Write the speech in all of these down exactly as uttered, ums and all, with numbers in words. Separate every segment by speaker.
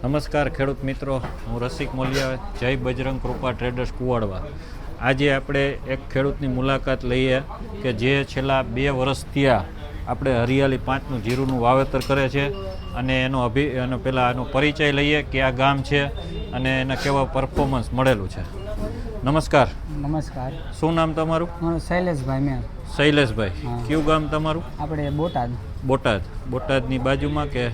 Speaker 1: નમસ્કાર ખેડૂત મિત્રો, હું રસિક મોલિયા, જય બજરંગ કૃપા ટ્રેડર્સ કુવાડવા. આજે આપણે એક ખેડૂતની મુલાકાત લઈએ કે જે છેલ્લા બે વર્ષથી આપણે હરિયાળી પાંચનું જીરુંનું વાવેતર કરે છે અને એનો અભિ એનો પહેલાં એનો પરિચય લઈએ કે આ ગામ છે અને એના કેવા પરફોર્મન્સ મળેલું છે. નમસ્કાર.
Speaker 2: નમસ્કાર.
Speaker 1: શું નામ તમારું?
Speaker 2: મારું શૈલેષભાઈ મેં.
Speaker 1: શૈલેષભાઈ. કયું ગામ તમારું?
Speaker 2: આપણે બોટાદ.
Speaker 1: બોટાદ. બોટાદની બાજુમાં કે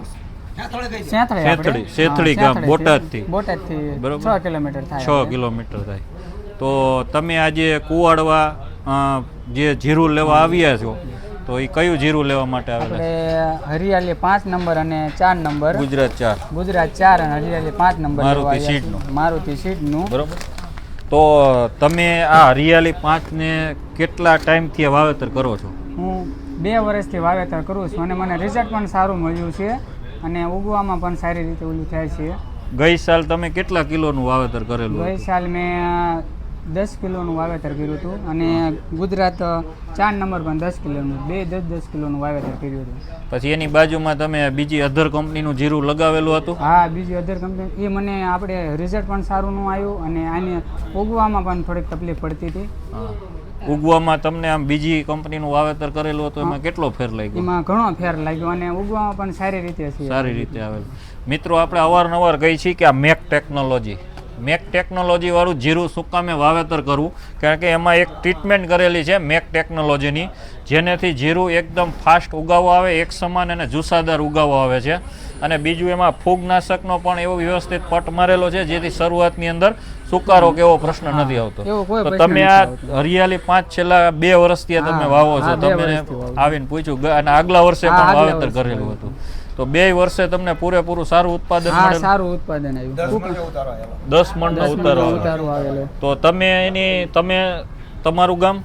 Speaker 2: સેથળી
Speaker 1: સેથળી ગામ બોટાદથી
Speaker 2: બોટાદથી
Speaker 1: બરોબર
Speaker 2: છ કિલોમીટર થાય.
Speaker 1: છ કિલોમીટર થાય. તો તમે આજે કુવાડવા જે જીરું લેવા આવ્યા છો તો એ કયું જીરું લેવા માટે આવેલા?
Speaker 2: આપણે હરિયાળી પાંચ નંબર અને ચાર નંબર.
Speaker 1: ગુજરાત ચાર.
Speaker 2: ગુજરાત ચાર અને હરિયાળી પાંચ નંબર.
Speaker 1: મારુતિ સીડનું.
Speaker 2: મારુતિ સીડનું.
Speaker 1: બરોબર. તો તમે આ હરિયાળી પાંચ ને કેટલા ટાઈમથી વાવેતર કરો છો?
Speaker 2: હું બે વર્ષથી વાવેતર કરું છું અને મને રિઝલ્ટ પણ સારું મળ્યું છે અને ઉગવામાં પણ સારી રીતે ઓલું થાય છે.
Speaker 1: ગઈ સાલ તમે કેટલા કિલોનું વાવેતર કરેલું?
Speaker 2: ગઈ સાલ મેં દસ કિલોનું વાવેતર કર્યું હતું અને ગુજરાત ચાર નંબર પણ દસ કિલોનું, બે દસ દસ કિલોનું વાવેતર કર્યું હતું.
Speaker 1: પછી એની બાજુમાં તમે બીજી અધર કંપનીનું જીરું લગાવેલું હતું?
Speaker 2: હા, બીજી અધર કંપની. એ મને આપણે રિઝલ્ટ પણ સારું ન આવ્યું અને આને ઉગવામાં પણ થોડીક તકલીફ પડતી હતી.
Speaker 1: ઉગવામાં તમને આમ બીજી કંપનીનું વાવેતર કરેલું હતું એમાં કેટલો ફેર લાગ્યો?
Speaker 2: એમાં ઘણો ફેર લાગ્યો અને ઉગવામાં પણ સારી રીતે છે.
Speaker 1: સારી રીતે આવેલું. મિત્રો, આપણે અવારનવાર કહી છીએ કે આ મેક ટેકનોલોજી મેક ટેકનોલોજી વાળું જીરું શું કામે વાવેતર કરવું? કારણ કે એમાં એક ટ્રીટમેન્ટ કરેલી છે મેક ટેકનોલોજીની, જેનેથી જીરું એકદમ ફાસ્ટ ઉગાવો આવે, એક સમાન અને જુસ્સાદાર ઉગાવો આવે છે. અને બીજું એમાં ફૂગનાશકનો પણ એવો વ્યવસ્થિત પટ મારેલો છે જેથી શરૂઆતની અંદર સુકારો કેવો પ્રશ્ન નથી આવતો. તો તમે આ હરિયાળી પાંચ છેલ્લા બે વર્ષથી તમે વાવો છો, તમે આવીને પૂછ્યું અને આગલા વર્ષે પણ વાવેતર કરેલું હતું, તો બે વર્ષે તમને પૂરેપૂરું સારું ઉત્પાદન મળે?
Speaker 2: સારું ઉત્પાદન આવ્યું.
Speaker 1: દસ મણનો ઉતારો આવેલો. તો તમે એની તમે તમારું ગામ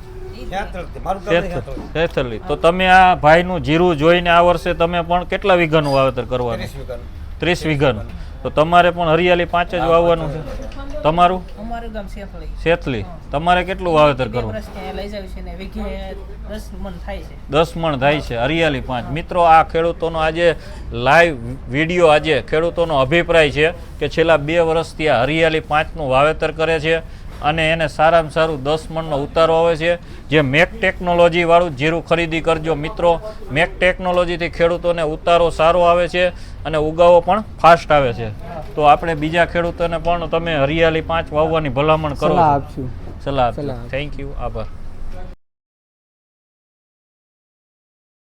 Speaker 1: સેથલી. તો તમે આ ભાઈનું જીરું જોઈને આ વર્ષે તમે પણ કેટલા વીઘાનું વાવેતર કરવાનું? ત્રીસ વીઘાનું. તો તમારે પણ હરિયાળી પાંચ જ વાવવાનું છે. તમારું? સેથલી. તમારે કેટલું વાવેતર કરવું? દસ મણ થાય છે હરિયાળી પાંચ. મિત્રો, આ ખેડૂતોનો આજે લાઈવ વિડીયો, આજે ખેડૂતોનો અભિપ્રાય છે કે છેલ્લા બે વર્ષથી આ હરિયાળી પાંચનું વાવેતર કરે છે અને એને સારામાં સારું દસ મણનો ઉતારો આવે છે. જે મેક ટેકનોલોજી વાળું જીરું ખરીદી કરજો મિત્રો. મેક ટેકનોલોજીથી ખેડૂતોને ઉતારો સારો આવે છે અને ઉગાવો પણ ફાસ્ટ આવે છે. તો આપણે બીજા ખેડૂતોને પણ તમે હરિયાળી પાંચ વાવવાની ભલામણ કરો.
Speaker 2: સલાહ આપશું.
Speaker 1: સલાહ આપજો. Thank you. આભાર.